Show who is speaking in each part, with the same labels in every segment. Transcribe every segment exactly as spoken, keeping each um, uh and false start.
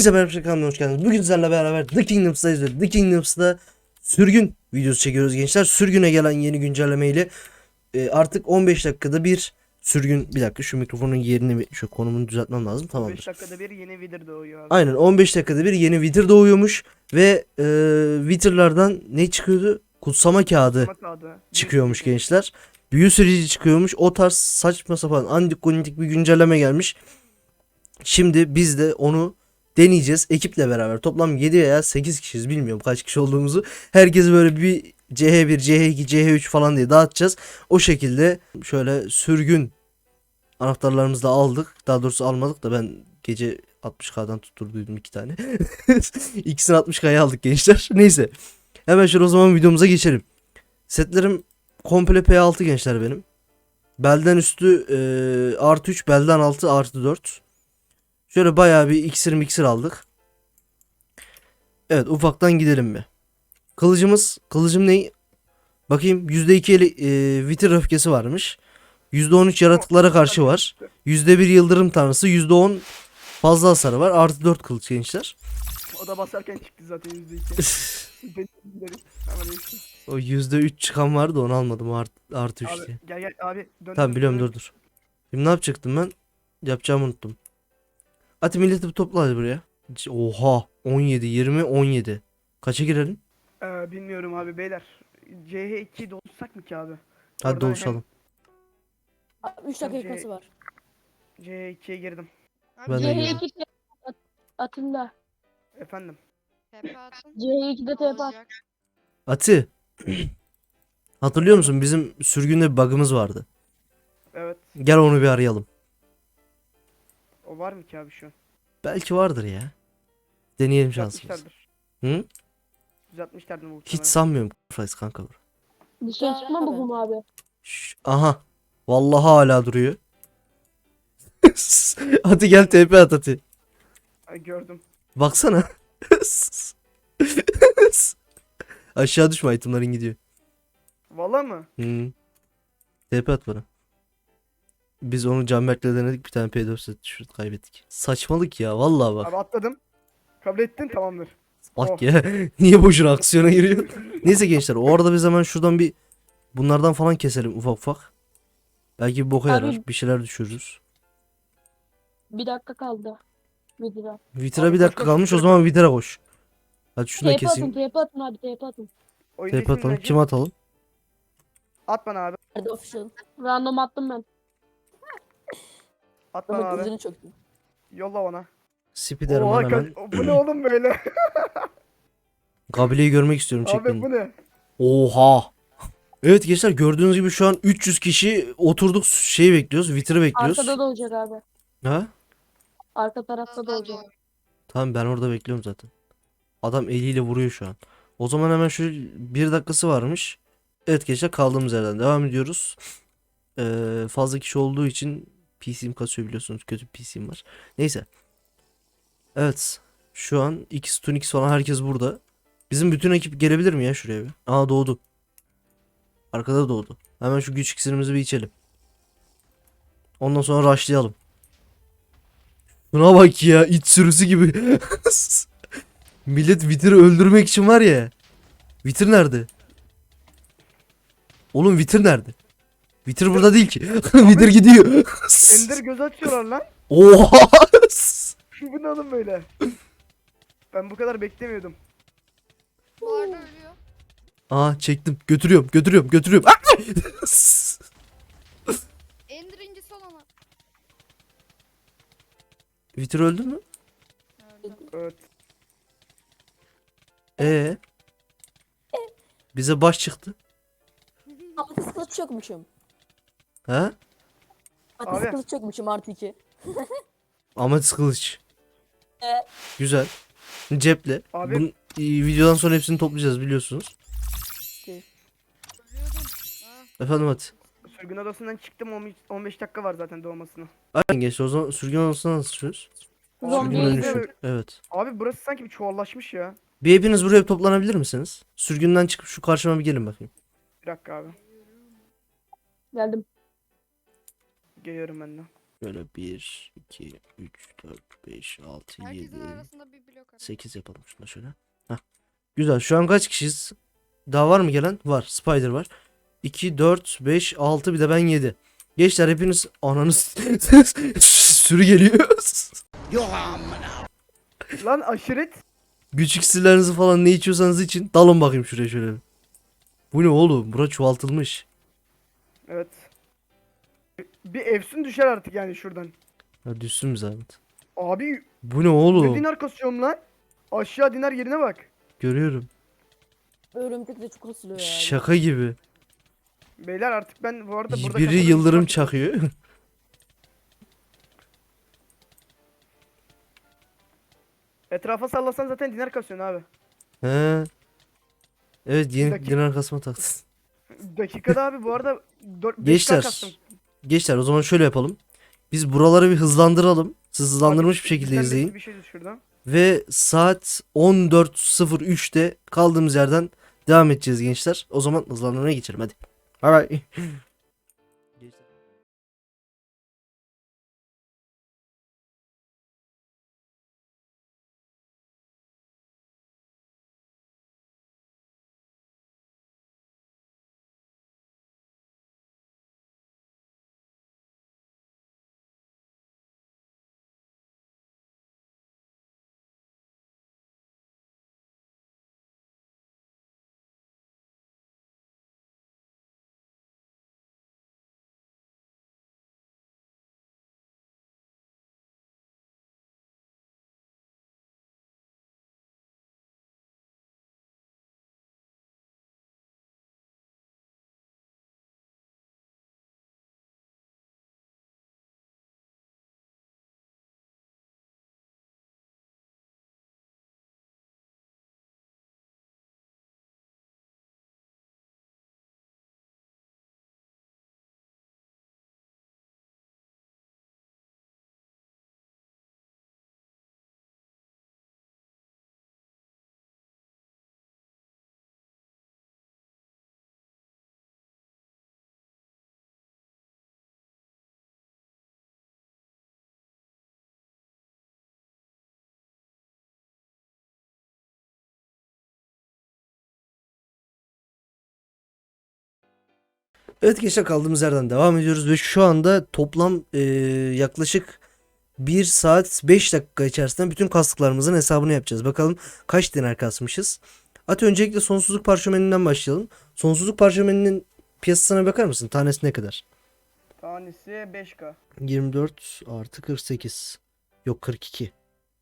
Speaker 1: Hepinize merhaba, kanalıma hoş geldiniz. Bugün sizlerle beraber The Kingdoms'dayız ve The Kingdoms'da sürgün videosu çekiyoruz gençler. Sürgüne gelen yeni güncellemeyle e, artık on beş dakikada bir sürgün. Bir dakika, şu mikrofonun yerini, şu konumunu düzeltmem lazım. Tamamdır.
Speaker 2: on beş dakikada bir yeni Wither doğuyor abi.
Speaker 1: Aynen, on beş dakikada bir yeni Wither doğuyormuş ve e, Wither'lardan ne çıkıyordu? Kutsama kağıdı
Speaker 2: Kutsama kağıdı.
Speaker 1: çıkıyormuş gençler. Büyü süreci çıkıyormuş. O tarz saçma sapan antikondik bir güncelleme gelmiş. Şimdi biz de onu deneyeceğiz ekiple beraber. Toplam yedi veya sekiz kişiyiz, bilmiyorum kaç kişi olduğumuzu. Herkesi böyle bir C H bir, C H iki, C H üç falan diye dağıtacağız. O şekilde şöyle sürgün anahtarlarımızı da aldık. Daha doğrusu almadık da ben gece altmış kadan tutturduydum iki tane. İkisini altmış kaya aldık gençler. Neyse. Hemen şöyle o zaman videomuza geçelim. Setlerim komple P altı gençler benim. Belden üstü e, artı üç, belden altı artı dört. Şöyle bayağı bir iksir miksir aldık. Evet, ufaktan gidelim mi? Kılıcımız, kılıcım ne? Bakayım, yüzde iki eli, e, vitir öfkesi varmış. yüzde on üç yaratıklara karşı var. yüzde bir yıldırım tanrısı, yüzde on fazla hasarı var. Artı dört kılıç gençler.
Speaker 2: O da basarken çıktı zaten yüzde iki. Benim dedim. Ama neyse.
Speaker 1: O yüzde üç çıkan vardı, onu almadım, o art, artı üç
Speaker 2: Abi
Speaker 1: diye.
Speaker 2: gel gel abi. Dön,
Speaker 1: Tamam,
Speaker 2: dön,
Speaker 1: biliyorum,
Speaker 2: dön.
Speaker 1: dur dur. Şimdi ne yapacaktım ben? Yapacağımı unuttum. Hadi milleti bir topla hadi buraya. Oha, on yedi, yirmi, on yedi. Kaça girelim?
Speaker 2: Ee, bilmiyorum abi beyler. C H ikiyi doluşsak mı ki abi?
Speaker 1: Hadi
Speaker 2: Oradan
Speaker 1: doluşalım.
Speaker 3: üç dakikası var.
Speaker 2: hem C H ikiye girdim.
Speaker 1: Ben de
Speaker 3: C H
Speaker 1: girdim.
Speaker 3: iki at, atında.
Speaker 2: Efendim.
Speaker 4: Tepe atın.
Speaker 3: C H ikide T P at.
Speaker 4: Olacak.
Speaker 1: Ati. Hatırlıyor musun, bizim sürgünde bir bug'ımız vardı.
Speaker 2: Evet.
Speaker 1: Gel onu bir arayalım.
Speaker 2: O var mı ki abi şu an?
Speaker 1: Belki vardır ya. Deneyelim şansımızı.
Speaker 2: Düzeltmişlerdir.
Speaker 1: Hı?
Speaker 2: Düzeltmişlerdir muhtemelen.
Speaker 1: Hiç sanmıyorum Price kanka.
Speaker 3: Dışarı çıkma mı bu mu abi?
Speaker 1: Şş, aha. Vallahi hala duruyor. Hadi gel T P at Ati.
Speaker 2: Ay, gördüm.
Speaker 1: Baksana. Aşağı düşme, itemlerin gidiyor.
Speaker 2: Valla mı?
Speaker 1: Hı. T P at bana. Biz onu Canberk'le denedik, bir tane P dört set düşürdük, kaybettik. Saçmalık ya, vallahi bak.
Speaker 2: Abi atladım. Kabul ettin tamamdır.
Speaker 1: Bak
Speaker 2: Oh.
Speaker 1: ya, niye boşuna aksiyona giriyor? Neyse gençler, o arada biz hemen şuradan bir bunlardan falan keselim ufak ufak. Belki bir boka
Speaker 3: Abi-
Speaker 1: yarar, bir şeyler düşürürüz.
Speaker 3: Bir dakika kaldı. Videoda.
Speaker 1: Vitra
Speaker 2: Abi
Speaker 1: bir
Speaker 2: koş,
Speaker 1: dakika
Speaker 2: koş,
Speaker 1: kalmış, o
Speaker 2: Vitra
Speaker 1: zaman Vitra koş. Hadi şunu da
Speaker 3: T P atın,
Speaker 1: keseyim.
Speaker 3: T P atın abi, T P atın.
Speaker 2: Oyuncu
Speaker 1: T P
Speaker 2: ismin
Speaker 1: atalım.
Speaker 2: neydi?
Speaker 1: Kim atalım?
Speaker 2: At bana abi.
Speaker 3: Nerede official? Random attım ben.
Speaker 2: At bana
Speaker 3: Bak
Speaker 2: abi.
Speaker 3: yüzünü çöktüm.
Speaker 2: Yolla bana.
Speaker 1: Spiderman
Speaker 2: Oha,
Speaker 1: hemen.
Speaker 2: kaç- bu ne oğlum böyle?
Speaker 1: Kabileyi görmek istiyorum, çek
Speaker 2: Abi
Speaker 1: beni.
Speaker 2: bu ne?
Speaker 1: Oha. Evet gençler, gördüğünüz gibi şu an üç yüz kişi oturduk, şeyi bekliyoruz, Vitra'ı bekliyoruz.
Speaker 3: Arkada da olacak abi.
Speaker 1: Ha?
Speaker 3: Arka tarafta da olacak.
Speaker 1: Tamam, ben orada bekliyorum zaten. Adam eliyle vuruyor şu an. O zaman hemen şu bir dakikası varmış. Evet gençler, kaldığımız yerden devam ediyoruz. Ee, fazla kişi olduğu için P C'm kasıyor, biliyorsunuz, kötü bir P C'm var. Neyse. Evet. Şu an X, Tunix falan herkes burada. Bizim bütün ekip gelebilir mi ya şuraya bir? Aa, doğdu. Arkada doğdu. Hemen şu güç iksirimizi bir içelim. Ondan sonra rushlayalım. Buna bak ya, iç sürüsü gibi. Millet Wither'ı öldürmek için var ya. Wither nerede? Oğlum Wither nerede? Wither burada değil ki. Wither gidiyor.
Speaker 2: Ender göz açıyorlar lan.
Speaker 1: Oha.
Speaker 2: Bu ne oğlum böyle? Ben bu kadar beklemiyordum.
Speaker 4: Bu arada ölüyor.
Speaker 1: Aa, çektim. Götürüyorum, götürüyorum, götürüyorum.
Speaker 4: Ender incisi olana.
Speaker 1: Wither öldü mü?
Speaker 4: Öldü.
Speaker 2: Evet.
Speaker 1: Ee. Bize baş çıktı.
Speaker 3: Ateş kılıç çökmüşüm.
Speaker 1: Ha?
Speaker 3: Ateş
Speaker 2: Abi.
Speaker 3: kılıç çökmüşüm artı iki.
Speaker 1: Ametist kılıç.
Speaker 3: Evet.
Speaker 1: Güzel. Ceple.
Speaker 2: Abi.
Speaker 1: Bunun, e, videodan sonra hepsini toplayacağız, biliyorsunuz.
Speaker 4: Ölüyordum. Ha.
Speaker 1: Efendim hadi.
Speaker 2: Sürgün odasından çıktım on- on beş dakika var zaten doğmasına.
Speaker 1: Aynen gençler, o zaman sürgün odasına nasıl çıkıyoruz?
Speaker 3: Zombi
Speaker 1: Sürgün
Speaker 2: Zombiye
Speaker 1: dönüşü. Evet.
Speaker 2: Abi burası sanki bir çuvallaşmış ya.
Speaker 1: Bir hepiniz buraya toplanabilir misiniz? Sürgünden çıkıp şu karşıma bir gelin bakayım.
Speaker 2: Bir dakika abi.
Speaker 3: Geldim.
Speaker 2: Geliyorum ben de.
Speaker 1: Böyle bir, iki, üç, dört, beş, altı,
Speaker 4: Herkesin
Speaker 1: yedi,
Speaker 4: arasında bir blok arası.
Speaker 1: sekiz yapalım şunu şöyle. Hah. Güzel. Şu an kaç kişiyiz? Daha var mı gelen? Var. Spider var. iki, dört, beş, altı bir de ben yedi. Gençler hepiniz ananız sürü geliyor.
Speaker 2: Lan aşiret.
Speaker 1: Güç iksirlerinizi falan ne içiyorsanız için dalın bakayım şuraya şöyle. Bu ne oğlum? Bura çoğaltılmış.
Speaker 2: Evet. Bir efsun düşer artık yani şuradan.
Speaker 1: Ya düşsün mü zahmet?
Speaker 2: Abi
Speaker 1: Bu ne
Speaker 2: ne
Speaker 1: oğlum?
Speaker 2: dinar kasıyorum lan? Aşağı dinar yerine bak.
Speaker 1: Görüyorum.
Speaker 3: Örümcek de çok asılıyor ya.
Speaker 1: Şaka gibi.
Speaker 2: Beyler artık ben bu arada burada
Speaker 1: Biri
Speaker 2: kafadan
Speaker 1: yıldırım
Speaker 2: uçmak-
Speaker 1: çakıyor.
Speaker 2: Etrafa sallasan zaten dinar kasıyorsun abi.
Speaker 1: He. Evet yeni
Speaker 2: Dakika-
Speaker 1: dinar kasma taktın.
Speaker 2: Dakikada abi bu arada beş K
Speaker 1: Gençler.
Speaker 2: kastım.
Speaker 1: Gençler o zaman şöyle yapalım. Biz buraları bir hızlandıralım. Siz hızlandırmış
Speaker 2: Abi,
Speaker 1: bir şekilde
Speaker 2: bizden
Speaker 1: izleyin.
Speaker 2: birisi Bir şey şuradan.
Speaker 1: Ve saat on dört sıfır üçte kaldığımız yerden devam edeceğiz gençler. O zaman hızlandırmaya geçelim hadi. Bye bye. Evet gençler kaldığımız yerden devam ediyoruz ve şu anda toplam eee, yaklaşık bir saat beş dakika içerisinde bütün kastıklarımızın hesabını yapacağız. Bakalım kaç dinar kasmışız. At öncelikle sonsuzluk parşömeninden başlayalım. Sonsuzluk parşömeninin piyasasına bakar mısın? Tanesi ne kadar?
Speaker 2: Tanesi beş K.
Speaker 1: yirmi dört artı kırk sekiz. Yok kırk iki.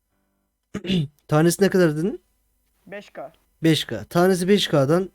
Speaker 1: Tanesi ne kadar dedin?
Speaker 2: beş K.
Speaker 1: beş K. Tanesi beş K'dan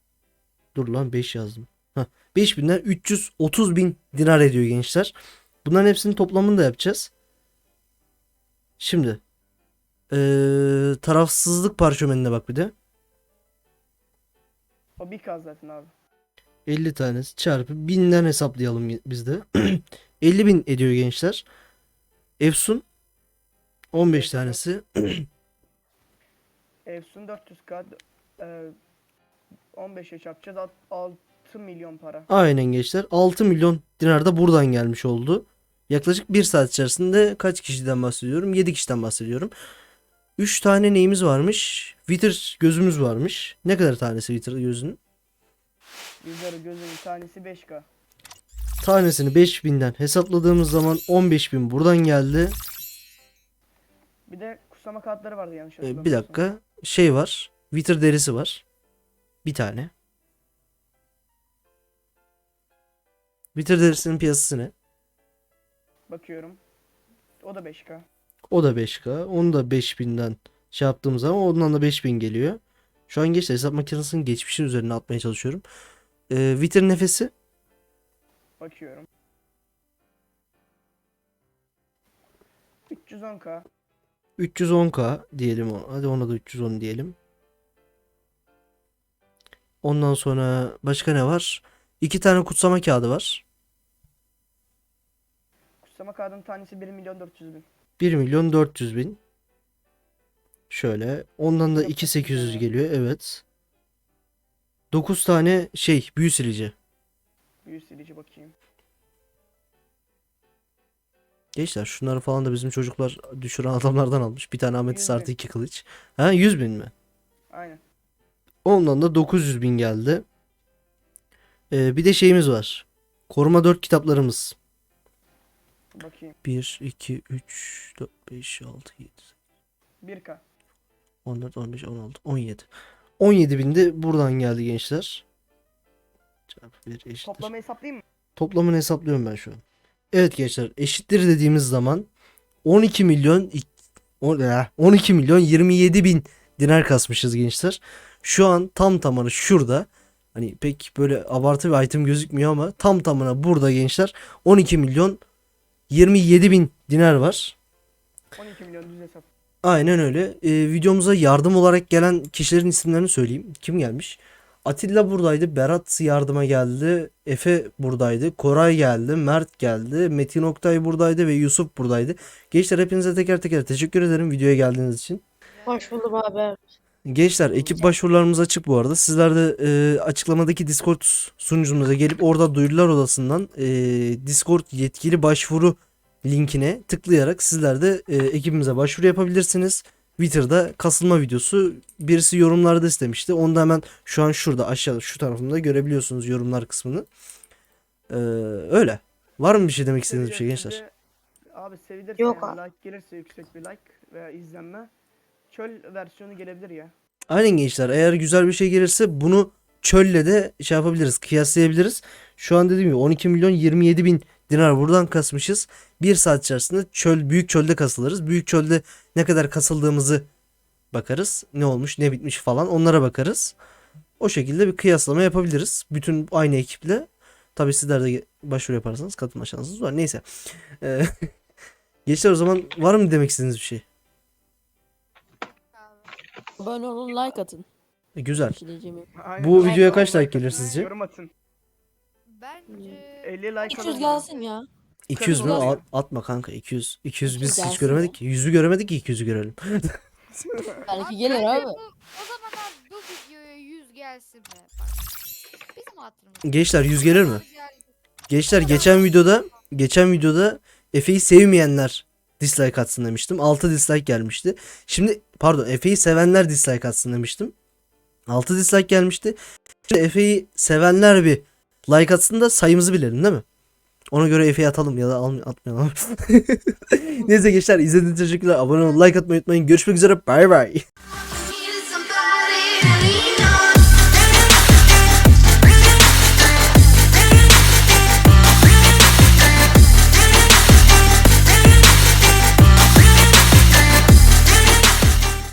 Speaker 1: dur lan beş yazdım. Heh, beş binden üç yüz otuz bin dinar ediyor gençler. Bunların hepsinin toplamını da yapacağız. Şimdi eee, tarafsızlık parşömenine bak bir de.
Speaker 2: O bir K zaten abi.
Speaker 1: elli tanesi çarpı binden hesaplayalım biz de. elli bin ediyor gençler. Efsun on beş
Speaker 2: Efsun.
Speaker 1: tanesi.
Speaker 2: Efsun dört yüz K. E, on beşe çarpacağız. Alt- altı milyon para.
Speaker 1: Aynen gençler. altı milyon dinar da buradan gelmiş oldu. Yaklaşık bir saat içerisinde kaç kişiden bahsediyorum? yedi kişiden bahsediyorum. üç tane neyimiz varmış? Wither gözümüz varmış. Ne kadar tanesi Wither gözünün?
Speaker 2: Yüzleri gözünün tanesi beş K.
Speaker 1: Tanesini beş binden hesapladığımız zaman on beş bin buradan geldi.
Speaker 2: Bir de kusama kağıtları vardı yanlış
Speaker 1: Ee, bir
Speaker 2: hatırlamıyorsam.
Speaker 1: dakika. Şey var. Wither derisi var. Bir tane. Wither derisinin piyasası ne?
Speaker 2: Bakıyorum. O da beş K.
Speaker 1: O da beş K. Onu da beş binden şey yaptığımız zaman ondan da beş bin geliyor. Şu an gençler hesap makinesinin geçmişin üzerine atmaya çalışıyorum. Ee, Wither nefesi
Speaker 2: Bakıyorum. üç yüz on K.
Speaker 1: üç yüz on K diyelim. o- Hadi ona da üç yüz on diyelim. Ondan sonra başka ne var? İki tane kutsama kağıdı var.
Speaker 2: Kusama kağıdının tanesi bir milyon dört yüz bin.
Speaker 1: bir milyon dört yüz bin. Şöyle. Ondan da iki bin sekiz yüz geliyor. Evet. dokuz tane şey büyü silici.
Speaker 2: Büyü silici bakayım.
Speaker 1: Gençler şunları falan da bizim çocuklar düşüren adamlardan almış. Bir tane ametist
Speaker 2: yüz
Speaker 1: artı
Speaker 2: bin.
Speaker 1: iki kılıç. Ha yüz bin mi?
Speaker 2: Aynen.
Speaker 1: Ondan da dokuz yüz bin geldi. Ee, bir de şeyimiz var. Koruma dört kitaplarımız.
Speaker 2: Bakayım.
Speaker 1: bir, iki, üç, dört, beş, altı, yedi,
Speaker 2: bir K.
Speaker 1: on dört, on beş, on altı, on yedi. on yedi bin de buradan geldi gençler. Çarpı bir eşittir.
Speaker 2: Toplamı hesaplayayım mı?
Speaker 1: Toplamını hesaplıyorum ben şu an. Evet gençler eşittir dediğimiz zaman on iki milyon ik- on- eh, on iki milyon yirmi yedi bin dinar kasmışız gençler. Şu an tam tamına şurada, hani pek böyle abartı bir item gözükmüyor ama tam tamına burada gençler on iki milyon yirmi yedi bin dinar var.
Speaker 2: on iki milyon düz hesap.
Speaker 1: Aynen öyle. Ee, videomuza yardım olarak gelen kişilerin isimlerini söyleyeyim. Kim gelmiş? Atilla buradaydı. Berat yardıma geldi. Efe buradaydı. Koray geldi. Mert geldi. Metin Oktay buradaydı ve Yusuf buradaydı. Gençler hepinize teker teker teşekkür ederim videoya geldiğiniz için.
Speaker 3: Hoş buldum abi.
Speaker 1: Gençler ekip başvurularımız açık bu arada. Sizler de e, açıklamadaki Discord sunucumuza gelip orada duyurular odasından e, Discord yetkili başvuru linkine tıklayarak sizler de e, ekibimize başvuru yapabilirsiniz. Twitter'da kasılma videosu birisi yorumlarda istemişti. Onu da hemen şu an şurada aşağıda şu tarafında görebiliyorsunuz yorumlar kısmını. E, öyle. Var mı bir şey demek istediğiniz bir şey gençler?
Speaker 2: Seveceğiz de- Abi sevilirse
Speaker 3: Yok
Speaker 2: yani
Speaker 3: abi.
Speaker 2: like gelirse yüksek bir like veya izlenme. Çöl versiyonu gelebilir ya.
Speaker 1: Aynen gençler, eğer güzel bir şey gelirse bunu çölle de şey yapabiliriz, kıyaslayabiliriz. Şu an dediğim gibi on iki milyon yirmi yedi bin dinar buradan kasmışız. Bir saat içerisinde çöl, büyük çölde kasılırız. Büyük çölde ne kadar kasıldığımızı bakarız. Ne olmuş ne bitmiş falan onlara bakarız. O şekilde bir kıyaslama yapabiliriz. Bütün aynı ekiple. Tabii sizler de başvuru yaparsanız katılma şansınız var. Neyse. Ee, gençler o zaman var mı demek istediğiniz bir şey?
Speaker 4: Abi.
Speaker 3: Abone olun, like atın.
Speaker 1: E, güzel.
Speaker 3: Bir şey diyeceğim yok.
Speaker 2: Aynen.
Speaker 1: Bu
Speaker 2: Like
Speaker 1: videoya
Speaker 2: atın,
Speaker 1: kaç like
Speaker 2: atın,
Speaker 1: gelir sizce?
Speaker 2: Yorum atın.
Speaker 4: Bence
Speaker 2: elli like
Speaker 3: üç yüz
Speaker 2: alın.
Speaker 3: gelsin ya.
Speaker 1: iki yüz mü?
Speaker 2: Kırk
Speaker 1: At- atma kanka iki yüz. iki yüz biz hiç
Speaker 3: Gelsin
Speaker 1: göremedik
Speaker 3: ya.
Speaker 1: ki. yüzü göremedik ki iki yüzü görelim.
Speaker 3: Belki gelir
Speaker 4: bence
Speaker 3: abi.
Speaker 4: Bu, o zaman abi bu videoya yüz gelsin be. Bak. Bizim hatırımız.
Speaker 1: Gençler yüz gelir mi?
Speaker 4: Geldi.
Speaker 1: Gençler geçen videoda geçen videoda Efe'yi sevmeyenler dislike atsın demiştim. altı dislike gelmişti. Şimdi pardon Efe'yi sevenler dislike atsın demiştim. altı dislike gelmişti. Şimdi Efe'yi sevenler bir like atsın da sayımızı bilelim değil mi? Ona göre Efe'yi atalım ya da almay- atmayalım. Neyse gençler izlediğiniz için teşekkürler. Abone olun, like atmayı unutmayın. Görüşmek üzere. Bay bay.